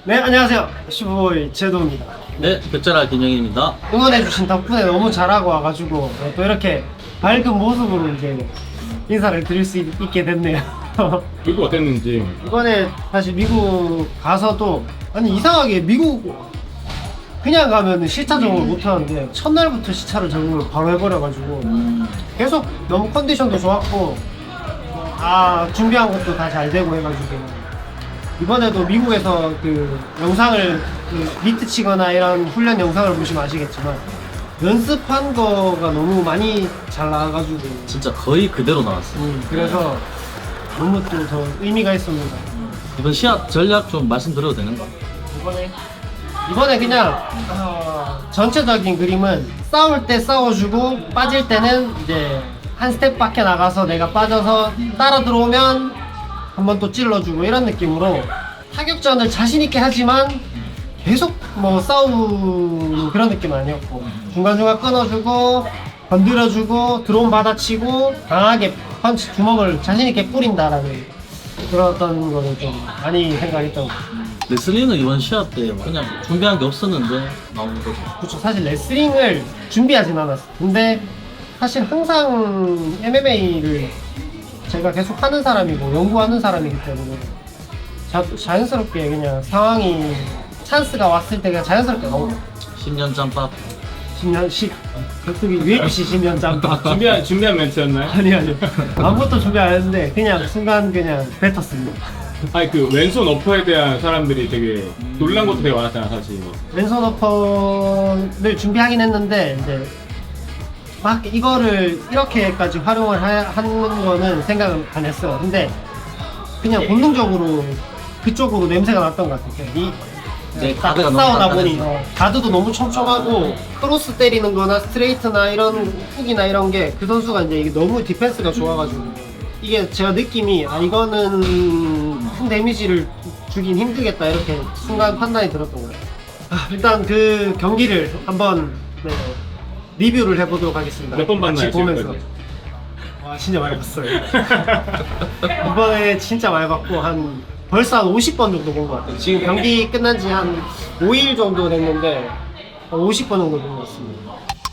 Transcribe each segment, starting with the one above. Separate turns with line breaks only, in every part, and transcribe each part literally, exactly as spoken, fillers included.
네, 안녕하세요. 슈퍼보이 제도입니다.
네, 백자라 김영입니다.
응원해주신 덕분에 너무 잘하고 와가지고 또 이렇게 밝은 모습으로 이제 인사를 드릴 수 있, 있게 됐네요.
그거 어땠는지.
이번에 사실 미국 가서도 아니 이상하게 미국 그냥 가면 시차 적응을 못하는데 첫날부터 시차를 적응을 바로 해버려가지고 계속 너무 컨디션도 좋았고 아 준비한 것도 다 잘 되고 해가지고 이번에도 미국에서 그 영상을 그 비트 치거나 이런 훈련 영상을 보시면 아시겠지만 연습한 거가 너무 많이 잘 나와가지고
진짜 거의 그대로 나왔어요.
음, 그래서 너무 또 더 의미가 있습니다.
이번 시합 전략 좀 말씀드려도 되는가?
이번에 이번에 그냥 어, 전체적인 그림은 싸울 때 싸워주고 빠질 때는 이제 한 스텝 밖에 나가서 내가 빠져서 따라 들어오면 한번 또 찔러주고 이런 느낌으로 타격전을 자신 있게 하지만 계속 뭐 싸우는 그런 느낌은 아니었고 중간중간 끊어주고 건드려주고 드론 받아치고 강하게 펀치 주먹을 자신 있게 뿌린다라는 그런 어떤 거를 좀 많이 생각했던 것 같아요.
레슬링은 이번 시합 때 그냥 준비한 게 없었는데 나오는 거죠.
그렇죠. 사실 레슬링을 준비하진 않았어. 근데 사실 항상 엠엠에이를 제가 계속 하는 사람이고 연구하는 사람이기 때문에 자, 자연스럽게 그냥 상황이 찬스가 왔을 때 그냥 자연스럽게 나오고
십 년 짬밥.
십 년 십 격투기 유에프씨 십 년 짬밥
준비한, 준비한 멘트였나요?
아니 아니 아무것도 준비 안 했는데 그냥 순간 그냥 뱉었습니다.
아니, 그 왼손 어퍼에 대한 사람들이 되게 놀란 것도 되게 많았잖아, 사실.
왼손 어퍼를 준비하긴 했는데 이제 막 이거를 이렇게까지 활용을 하, 하는 거는 생각을 안 했어요. 근데 그냥 본능적으로 그쪽으로 냄새가 났던 것 같아요. 이
네,
딱
가드가 너무
싸우다 보니
단단해서.
어, 가드도 너무 촘촘하고 크로스 때리는 거나 스트레이트나 이런 훅이나 이런 게 그 선수가 이제 이게 너무 디펜스가 좋아가지고 이게 제가 느낌이 아 이거는 큰 데미지를 주긴 힘들겠다 이렇게 순간 판단이 들었던 거예요. 아, 일단 그 경기를 한번 네, 리뷰를 해보도록 하겠습니다.
몇 번 봤나요,
같이 보면서.
지금까지?
와 진짜 많이 봤어요. 이번에 진짜 많이 봤고 한 벌써 한 오십 번 정도 본 것 같아요. 지금 경기 끝난 지 한 오 일 정도 됐는데 한 오십 번 정도 본 것 같습니다.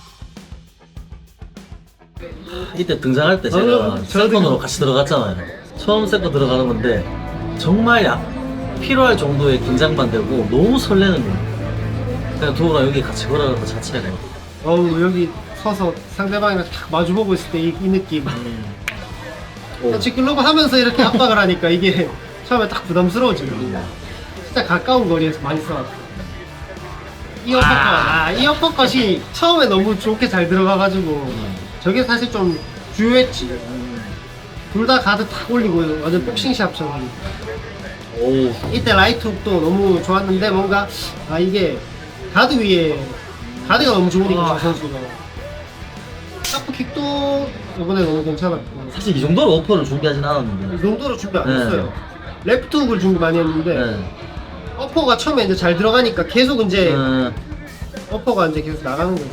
이때 등장할 때
어,
제가
저도
세컨으로 같이 들어갔잖아요. 처음 세컨 들어가는 건데 정말 약 필요할 정도의 긴장만 되고 너무 설레는 거예요. 그냥 도우가 여기 같이 걸어가는 것 자체가
어우 여기 서서 상대방이랑 딱 마주보고 있을 때 이 느낌.
오.
같이 글로브 하면서 이렇게 압박을 하니까 이게 처음에 딱 부담스러워지거든요. 진짜 가까운 거리에서 많이 써왔어요. 이 어퍼컷, 아, 이 어퍼컷이 처음에 너무 좋게 잘 들어가가지고 저게 사실 좀 주요했지. 둘 다 가드 탁 올리고 완전 복싱샵처럼.
오.
이때 라이트 훅도 너무 좋았는데 뭔가 아 이게 가드 위에 가드가 너무 좋으니까
아.
저 선수가 샤프킥도 이번에 너무 괜찮았고
사실 이 정도로 오퍼를 준비하진 않았는데.
이 정도로 준비 안
네.
했어요. 레프트 훅을 준비 많이 했는데
네.
어퍼가 처음에 이제 잘 들어가니까 계속 이제
음,
어퍼가 이제 계속 나가는 거죠.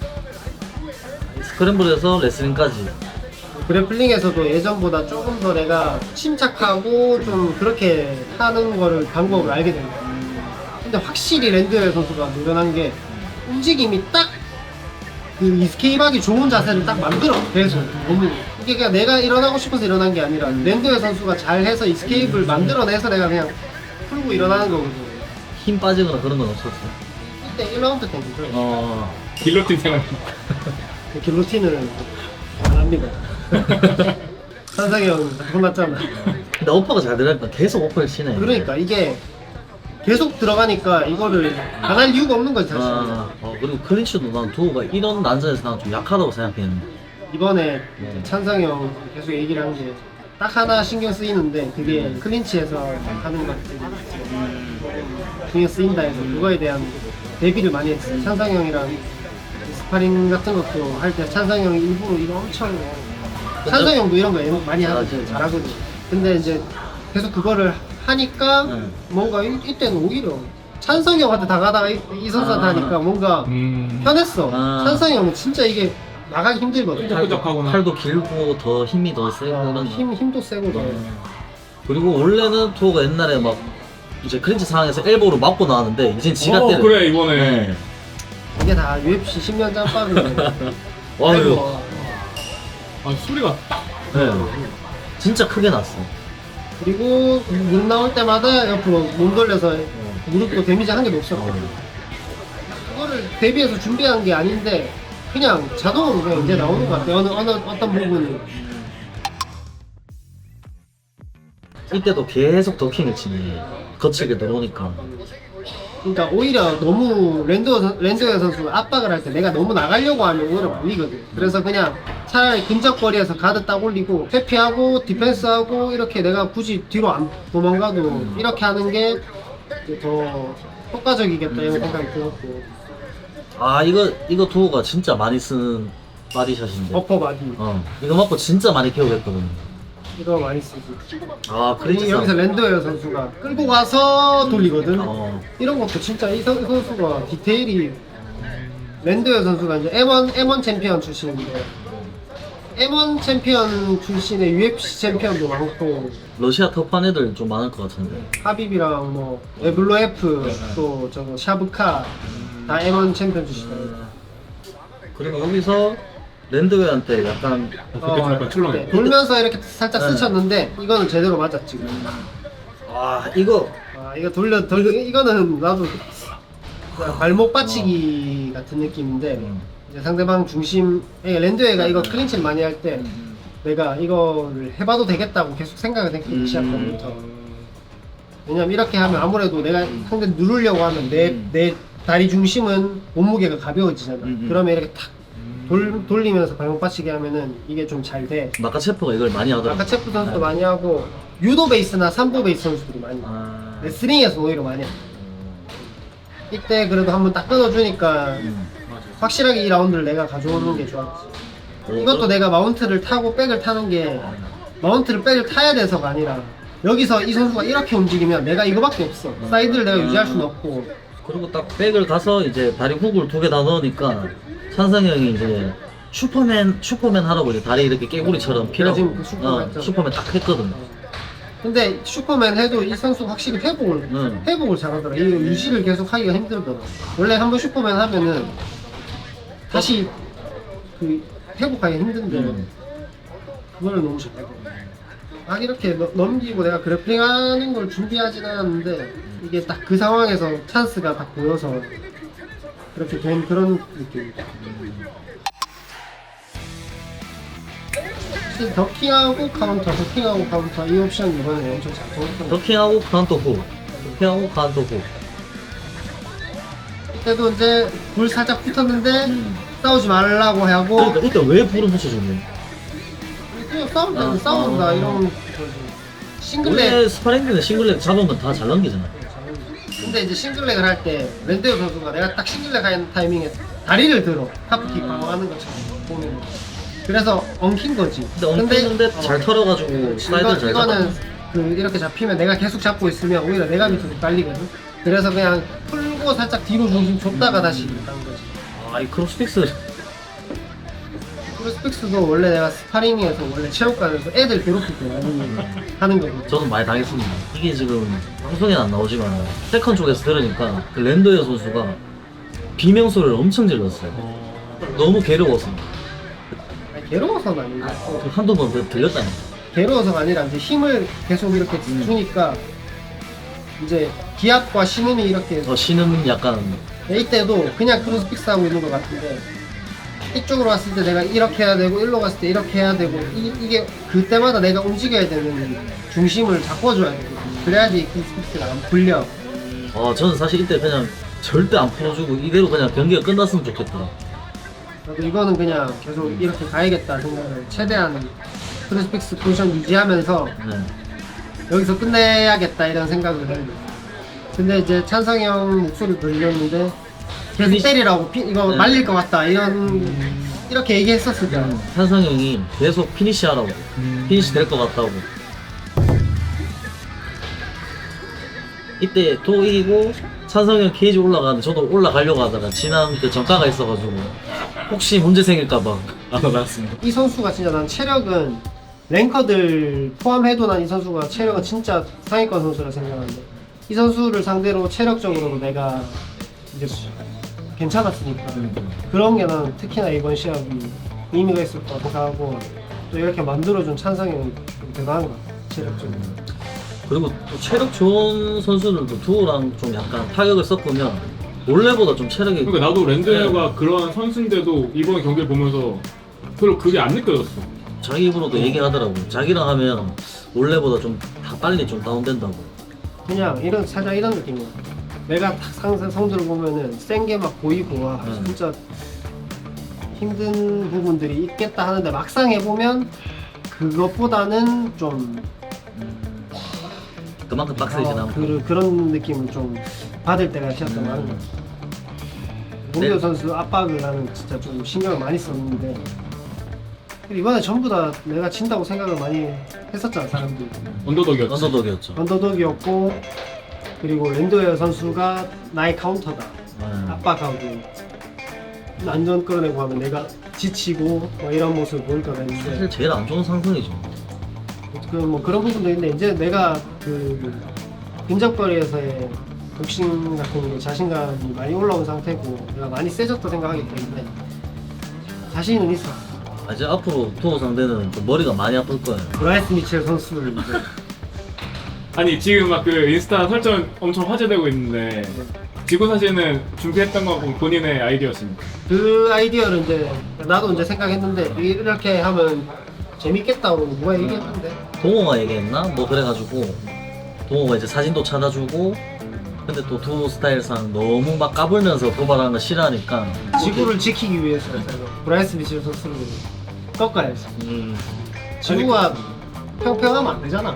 스크램블에서 레슬링까지.
그래플링에서도 예전보다 조금 더 내가 침착하고 좀 그렇게 하는 거를 방법을 알게 된 거예요. 근데 확실히 랜드웰 선수가 노련한 게 움직임이 딱 그 이스케이프하기 좋은 자세를 딱 만들어. 계속 너무 이게 그냥 내가 일어나고 싶어서 일어난 게 아니라 랜드웰 선수가 잘해서 이스케이프를 만들어내서 내가 그냥 풀고 일어나는 거거든요.
힘 빠지거나 그런 건 없었어요.
이때 일 라운드 때문에
어.
길로틴 생활.
길로틴을 안 합니다. 산상이 형 혼났잖아.
근데 오퍼가 잘 들어가니까 계속 오퍼를 치네.
그러니까 이게 계속 들어가니까 이거를 안 할 이유가 없는 거지 사실.
아, 어, 그리고 클린치도 난 두호가 이런 난전에서 난 좀 약하다고 생각했는데.
이번에
네.
찬상이 형 계속 얘기를 한 게 딱 하나 신경 쓰이는데 그게 클린치에서 하는 것들이 신경 쓰인다 해서 그거에 대한 대비를 많이 했어요. 찬상이 형이랑 스파링 같은 것도 할 때 찬상이 형이 일부러 이거 엄청 찬상이 형도 이런 거 많이 하거든요. 잘하거든요. 근데 이제 계속 그거를 하니까
네.
뭔가 이, 이때는 오히려 찬성이 형한테 당하다가 이, 이 선수한테
아.
하니까 뭔가
음.
편했어.
아.
찬성이 형은 진짜 이게 나가기 힘들거든.
끈적끈적하구나.
팔도 길고 더 힘이 더 세고
어,
이런
힘, 힘도 세고 더.
어. 그리고 원래는 투어가 옛날에 막 이제 클린치 상황에서 엘보로 맞고 나왔는데 이젠 지가
어,
때려.
그래 이번에.
네.
이게 다 유에프씨 십 년 짬밥이네.
와
아이고,
이거.
아 소리가 딱.
네. 진짜 크게 났어.
그리고 문 나올 때마다 옆으로 몸 돌려서 무릎도 데미지 한 개도 없었거든. 그거를 대비해서 준비한 게 아닌데 그냥 자동으로 그냥 이제 나오는 것 같아. 어느 어느 어떤 부분이.
이때도 계속 더킹을 치네. 거칠게 들어오니까.
그러니까 오히려 너무 랜드어 선- 랜드어 선수가 압박을 할 때 내가 너무 나가려고 하면 오히려 말리거든. 그래서 그냥 차라리 근접거리에서 가드 딱 올리고 회피하고 디펜스하고 이렇게 내가 굳이 뒤로 안 도망가도 이렇게 하는 게 더 효과적이겠다 이런 생각이 들었고.
아 이거 이거 두호가 진짜 많이 쓰는 바디샷인데.
어퍼 바디
어. 이거 맞고 진짜 많이 케어했거든.
이거 많이 쓰지.
아
그리고
크린치
여기서
상황.
랜드어 선수가 끌고 가서 돌리거든.
어.
이런 것도 진짜 이 선- 이 선수가 디테일이 랜드어 선수가 이제 엠 원 엠 원 챔피언 출신인데 엠 원 챔피언 출신의 유에프씨 챔피언도 많고
러시아 톱한 애들 좀 많을 것 같은데.
하빕이랑 뭐 에블로에프 또 저거 샤브카 다 엠 원 챔피언 출신이에요.
그리고 여기서 랜드웨어한테 약간
그때 좀 약간 출렁해.
네, 돌면서 이렇게 살짝
네.
스쳤는데 이거는 제대로 맞았지.
아 이거
아 이거 돌려 돌 이거는 나도 그냥 발목 받치기 같은 느낌인데
음.
이제 상대방 중심 예, 랜드웨가 이거 클린치를 많이 할 때 내가 이거를 해봐도 되겠다고 계속 생각을 했거든
음.
시작부터. 왜냐면 이렇게 하면 아무래도 내가 상대 누르려고 하면 내 내 다리 중심은 몸무게가 가벼워지잖아.
음, 음.
그러면 이렇게 탁 돌, 돌리면서 발목 받치기 하면은 이게 좀 잘 돼.
마카체프가 이걸 많이 하더라고.
아까 체프 선수도 많이 하고 유도 베이스나 삼보 베이스 선수들이 많이 해.
아.
레슬링에서 오히려 많이 해. 이때 그래도 한번 딱 끊어주니까
음.
확실하게 이 라운드를 내가 가져오는 게 좋았지. 이것도 내가 마운트를 타고 백을 타는 게 마운트를 백을 타야 돼서가 아니라 여기서 이 선수가 이렇게 움직이면 내가 이거밖에 없어. 사이드를 내가 유지할 수는 없고.
그리고 딱 백을 가서 이제 다리 훅을 두 개 다 넣으니까 찬성이 형이 이제 슈퍼맨 슈퍼맨 하라고 이제 다리 이렇게 깨구리처럼 피라고
지금 그 슈퍼맨
어,
했죠.
슈퍼맨 딱 했거든.
근데 슈퍼맨 해도 이 선수 확실히 회복을
응.
회복을 잘하더라. 이 유지를 계속 하기가 힘들더라. 원래 한번 슈퍼맨 하면은 다시 그 회복하기 힘든데
음.
그거를 너무 잘하고. 아 이렇게 너- 넘기고 내가 그래플링하는 걸 준비하진 않았는데 이게 딱 그 상황에서 찬스가 딱 보여서 그렇게 된 그런 느낌이다. 사실 더킹하고 카운터, 더킹하고 카운터 이 옵션 이번에 엄청 잘 통했던 것 같아요.
더킹하고 카운터 훅, 더킹하고 카운터 훅.
그때도 이제 불 살짝 붙었는데 싸우지 말라고 하고
그러니까 이때 왜 불을 붙여줬네?
그냥 싸운다
아,
싸운다
아.
이런 거지. 싱글렉
원래 스파링들은 싱글렉 잡으면 다 잘 넘기잖아.
근데 이제 싱글렉을 할 때 랜데오 선수가 내가 딱 싱글렉 하는 타이밍에 다리를 들어 카프킥 방어하는 것처럼 보면 그래서 엉킨 거지.
근데 엉켰는데
어,
잘 털어가지고 슬라이드를
이거,
잘
이거는
잡아.
그 이렇게 잡히면 내가 계속 잡고 있으면 오히려 내가 밑으로 깔리거든. 그래서 그냥 풀고 살짝 뒤로 중심 줬다가 다시 가는 거지.
아이 크로스픽스
크로스픽스도 원래 내가 스파링에서 원래 체육관에서 애들 괴롭힐 때 많이 하는 거거든.
저는 많이 당했습니다. 이게 지금 방송에는 안 나오지만 세컨 쪽에서 들으니까 그 랜더의 선수가 비명소리를 엄청 질렀어요. 너무 괴로워서
아니, 괴로워서는 아닌데
그 한두 번 더 들렸다니.
괴로워서가 아니라 이제 힘을 계속 이렇게 주니까 이제 기압과 신음이 이렇게
어, 신은 약간
이때도 그냥 크로스픽스 하고 있는 것 같은데 이쪽으로 왔을 때 내가 이렇게 해야 되고 일로 갔을 때 이렇게 해야 되고 이, 이게 그때마다 내가 움직여야 되는 중심을 바꿔줘야 되거든. 그래야지 크로스픽스가 안 풀려.
어 저는 사실 이때 그냥 절대 안 풀어주고 이대로 그냥 경기가 끝났으면 좋겠다.
나도 이거는 그냥 계속 이렇게 가야겠다 생각을 최대한 크로스픽스 포지션 유지하면서
네.
여기서 끝내야겠다 이런 생각을 했는데 근데 이제 찬성이 형 목소리 들렸는데 계속 때리라고 피, 이거
네.
말릴 것 같다 이런 이렇게 얘기했었으니까
한성 형이 계속 피니시 하라고 피니시 될 것 같다고. 이때 또 이기고 찬성이 형 케이지 올라가는데 저도 올라가려고 하다가 지난 그 전가가 있어가지고 혹시 문제 생길까봐 안 올라갔습니다.
이 선수가 진짜 난 체력은 랭커들 포함해도 난 이 선수가 체력은 진짜 상위권 선수라 생각하는데 이 선수를 상대로 체력적으로 내가 이제 괜찮았으니까 그런 게 난 특히나 이번 시합이 의미가 있을 거라고 생각하고 또 이렇게 만들어준 찬성이 좀 대단한 것 같아 체력적으로.
그리고 또 체력 좋은 선수들도 두호랑 좀 약간 타격을 섞으면 원래보다 좀 체력이
그러니까 나도 랜드웨어가 그런 선수인데도 이번 경기를 보면서 별로 그게 안 느껴졌어.
자기 입으로도 얘기하더라고. 자기랑 하면 원래보다 좀 다 빨리 좀 다운된다고.
그냥 이런 살짝 이런 느낌이야. 내가 딱 상세 성들을 보면은 센 게 막 보이고 와
음.
진짜 힘든 부분들이 있겠다 하는데 막상 해보면 그것보다는 좀
그만큼 빡세진
어,
않고.
그, 그런 느낌을 좀 받을 때가 시합도 많은 것 같아. 문규
네.
선수 압박을 나는 진짜 좀 신경을 많이 썼는데 이번에 전부 다 내가 진다고 생각을 많이 했었잖아 사람들이.
언더독이었지.
언더독이었죠.
언더독이었고 그리고 랜드웨어 선수가 나의 카운터다
네.
압박하고 안전 끌어내고 하면 내가 지치고 뭐 이런 모습을 보일 거라 했는데
사실 제일 안 좋은 상승이죠.
그 뭐 그런 부분도 있는데 이제 내가 그 근접거리에서의 복싱 같은 게 자신감이 많이 올라온 상태고 내가 많이 세졌다 생각하기 때문에 자신은 있어.
아, 이제 앞으로 두호 상대는 좀 머리가 많이 아플 거예요.
브라이스 미첼 선수를 이제
아니 지금 막 그 인스타 설정 엄청 화제되고 있는데 지구 사진은 준비했던 거고 본인의 아이디어십니까?
그 아이디어를 이제 나도 이제 생각했는데 이렇게 하면 재밌겠다고 누가 얘기했는데
동호가 얘기했나? 뭐 그래가지고 동호가 이제 사진도 찾아주고 근데 또 두호 스타일상 너무 막 까불면서 도발하는 거 싫어하니까
지구를 지키기 위해서 제가 브라이스 미첼 선수를 꺾어야지.
음,
지구가 평평하면 안 되잖아.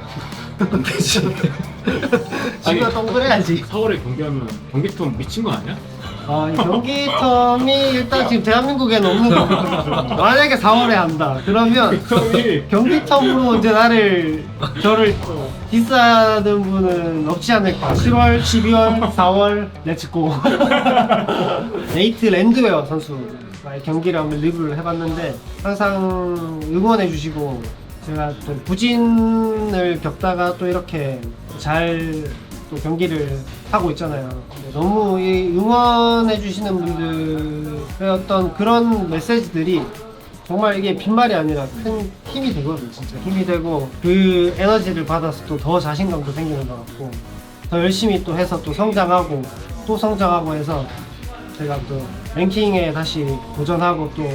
지구가 동그래야지.
사월에 경기하면 경기통 미친 거 아니야?
아, 이 경기 텀이 일단 지금 대한민국에는 없는 거거든요. 만약에 사월에 한다. 그러면
형이
경기 텀으로 이제 나를 저를 디스하는 분은 없지 않을까. 칠월, 십이월, 사월 렛츠고. 네이트 랜드웨어 선수와의 경기를 한번 리뷰를 해봤는데 항상 응원해 주시고 제가 또 부진을 겪다가 또 이렇게 잘 또 경기를 하고 있잖아요. 근데 너무 이 응원해 주시는 분들의 어떤 그런 메시지들이 정말 이게 빈말이 아니라 큰 힘이 되거든요. 진짜 힘이 되고 그 에너지를 받아서 또 더 자신감도 생기는 것 같고 더 열심히 또 해서 또 성장하고 또 성장하고 해서 제가 또 랭킹에 다시 도전하고 또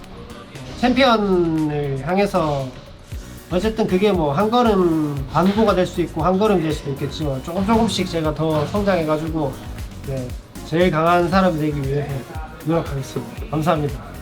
챔피언을 향해서 어쨌든 그게 뭐 한 걸음 반보가 될 수 있고 한 걸음 될 수도 있겠지만 조금 조금씩 제가 더 성장해가지고 네, 제일 강한 사람이 되기 위해 노력하겠습니다. 감사합니다.